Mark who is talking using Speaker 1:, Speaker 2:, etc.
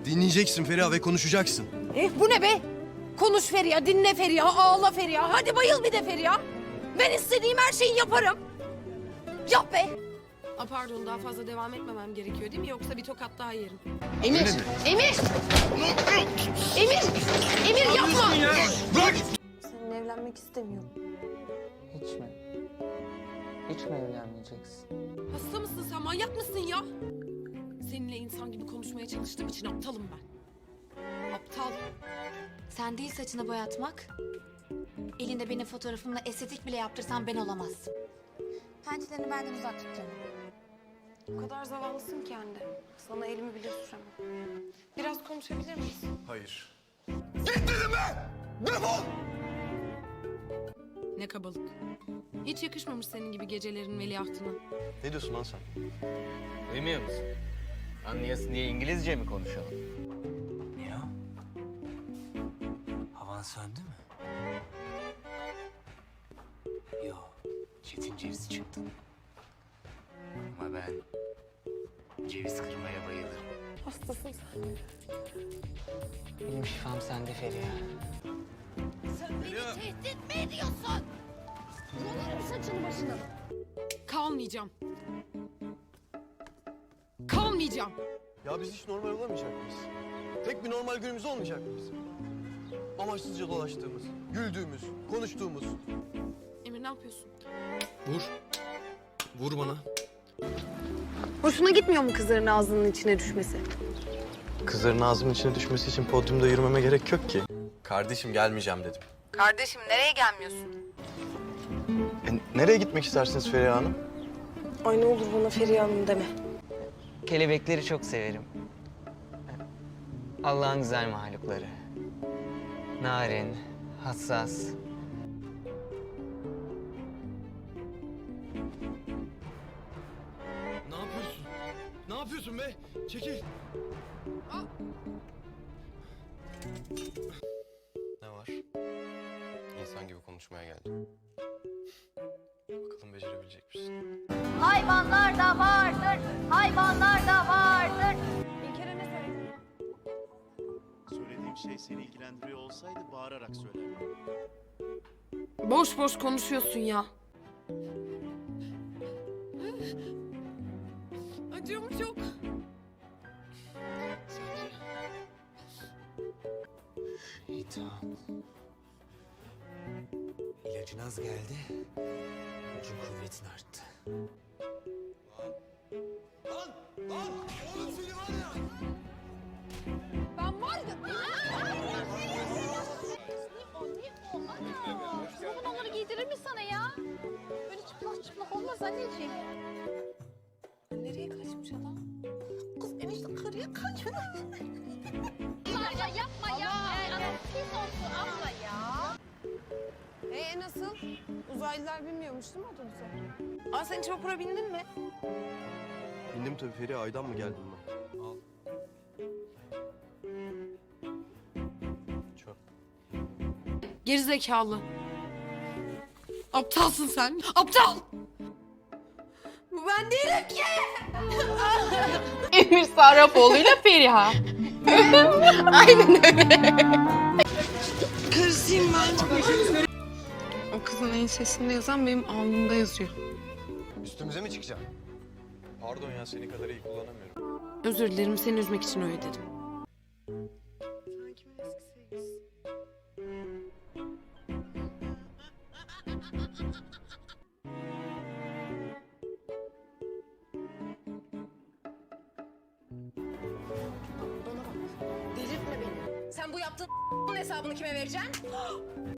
Speaker 1: Dinleyeceksin Feriha ve konuşacaksın.
Speaker 2: Bu ne be? Konuş Feriha, dinle Feriha, ağla Feriha. Hadi bayıl bir de Feriha. Ben istediğim her şeyi yaparım. Yap be.
Speaker 3: Pardon, daha fazla devam etmemem gerekiyor değil mi? Yoksa bir tokat daha yerim.
Speaker 2: Emir,
Speaker 1: Öyle mi?
Speaker 2: Emir! Emir! Emir yapma!
Speaker 1: Bırak!
Speaker 2: Seninle evlenmek istemiyorum.
Speaker 4: Hiç mi? Hiç mi evlenmeyeceksin?
Speaker 3: Hasta mısın sen? Manyak mısın ya? Seninle insan gibi konuşmaya çalıştığım için aptalım ben. Aptal.
Speaker 5: Sen değil saçını boyatmak. Elinde benim fotoğrafımla estetik bile yaptırsan ben olamazsın. Pençelerini benden uzak tut canım.
Speaker 3: O kadar zavallısın ki anne. Sana elimi bile süremem. Biraz konuşabilir miyiz?
Speaker 1: Hayır. Git dedim be! Defol!
Speaker 3: Ne kabalık. Hiç yakışmamış senin gibi gecelerin veliahtına.
Speaker 1: Ne diyorsun lan sen?
Speaker 6: Duymuyor musun? Anlayasın diye İngilizce mi konuşalım?
Speaker 4: Ne o? Havan söndü mü? Yo, Çetin ceviz çıktı. Ama ben ceviz kırmaya bayılırım.
Speaker 3: Hastasın sen.
Speaker 4: Benim şifam sende Feriha.
Speaker 2: Sen beni tehdit mi ediyorsun? Yolarım saçını başını.
Speaker 3: Kalmayacağım. Kalmayacağım.
Speaker 1: Ya biz hiç normal olamayacak mıyız? Tek bir normal günümüz olmayacak mı bizim? Amaçsızca dolaştığımız, güldüğümüz, konuştuğumuz.
Speaker 3: Emir ne yapıyorsun?
Speaker 1: Vur. Vur bana.
Speaker 2: Hoşuna gitmiyor mu kızların ağzının içine düşmesi?
Speaker 1: Kızların ağzımın içine düşmesi için podyumda yürümeme gerek yok ki. Kardeşim gelmeyeceğim dedim.
Speaker 2: Kardeşim nereye gelmiyorsun?
Speaker 1: Nereye gitmek istersiniz Feriha Hanım?
Speaker 2: Ay ne olur bana Feriha Hanım deme.
Speaker 4: Kelebekleri çok severim. Allah'ın güzel mahlukları. Narin, hassas.
Speaker 1: Ne yapıyorsun? Ne yapıyorsun be? Çekil. Ne var? İnsan gibi konuşmaya geldim. Bakalım becerebilecek misin?
Speaker 5: Hayvanlar da vardır, hayvanlar da vardır.
Speaker 7: Söylediğim şey seni ilgilendiriyor olsaydı bağırarak söylerdim.
Speaker 3: Boş boş konuşuyorsun ya. Acıyor mu çok?
Speaker 4: İyi tamam. İlacın az geldi. Gücün kuvvetin arttı.
Speaker 2: Ben var ya...
Speaker 5: Bugün onları giydirir mi sana ya? Böyle çıplak çıplak olmaz anneciğim.
Speaker 2: Nereye kaçmış adam? Kız enişte karıya kaçmış.
Speaker 5: Ya yapma ya. Pis olsun abla ya.
Speaker 2: Nasıl? Uzaylılar binmiyormuş değil mi otobüse? Sen hiç vapura bindin mi?
Speaker 1: Bindim tabii Feriha. Aydan mı geldim ben? Al. Çok.
Speaker 3: Gerizekalı. Aptalsın sen. Aptal. Bu ben değilim ki.
Speaker 8: Emir Sarrafoğlu'yla Feriha.
Speaker 3: Karısıyım ben. O kızın ensesinde yazan benim alnımda yazıyor.
Speaker 1: Üstümüze mi çıkacaksın? Pardon ya, seni kadar iyi kullanamıyorum.
Speaker 3: Özür dilerim, seni üzmek için öyle dedim.
Speaker 2: Delirtme beni. Sen bu yaptığın hesabını kime vereceksin?